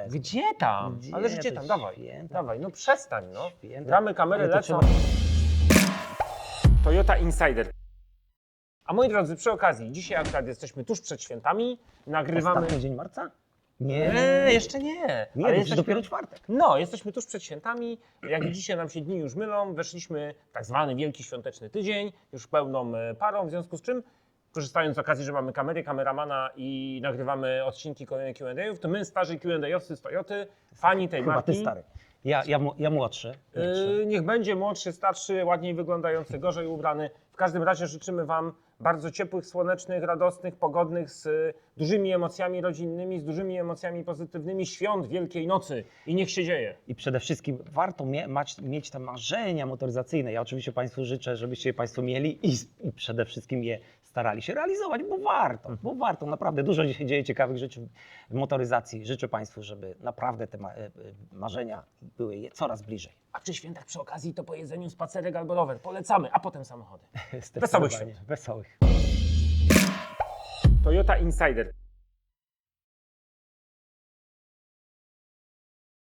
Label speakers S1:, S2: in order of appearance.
S1: Gdzie tam?
S2: Gdzie
S1: Ale gdzie
S2: to
S1: tam? Dawaj,
S2: święta?
S1: dawaj, no przestań, no.
S2: Święta.
S1: Gramy, kamery
S2: Ale to
S1: lecą.
S2: trzeba-
S1: Toyota Insider. A moi drodzy, przy okazji, dzisiaj akurat jesteśmy tuż przed świętami, nagrywamy...
S2: Ostatni dzień marca? Nie,
S1: jeszcze nie.
S2: nie,
S1: Ale
S2: to
S1: jesteśmy...
S2: dopiero czwartek.
S1: No, jesteśmy tuż przed świętami. Jak widzicie, nam się dni już mylą. Weszliśmy w tak zwany wielki świąteczny tydzień, już pełną parą, w związku z czym, korzystając z okazji, że mamy kamery, kameramana i nagrywamy odcinki kolejnych Q&A'ów, to my, starzy Q&A'owcy z Toyoty, fani tej
S2: Chyba
S1: marki,
S2: ty stary. Ja młodszy.
S1: niech będzie młodszy, starszy, ładniej wyglądający, gorzej ubrany. W każdym razie życzymy Wam bardzo ciepłych, słonecznych, radosnych, pogodnych, z dużymi emocjami rodzinnymi, z dużymi emocjami pozytywnymi świąt Wielkiej Nocy i niech się dzieje.
S2: I przede wszystkim warto mieć te marzenia motoryzacyjne. Ja oczywiście Państwu życzę, żebyście je Państwo mieli i przede wszystkim je starali się realizować, bo warto. Naprawdę dużo się dzieje ciekawych rzeczy w motoryzacji. Życzę Państwu, żeby naprawdę te marzenia były je coraz bliżej.
S1: A przy świętach przy okazji to po jedzeniu spacerek albo rower. Polecamy, a potem samochody.
S2: Wesołych świąt.
S1: Toyota Insider.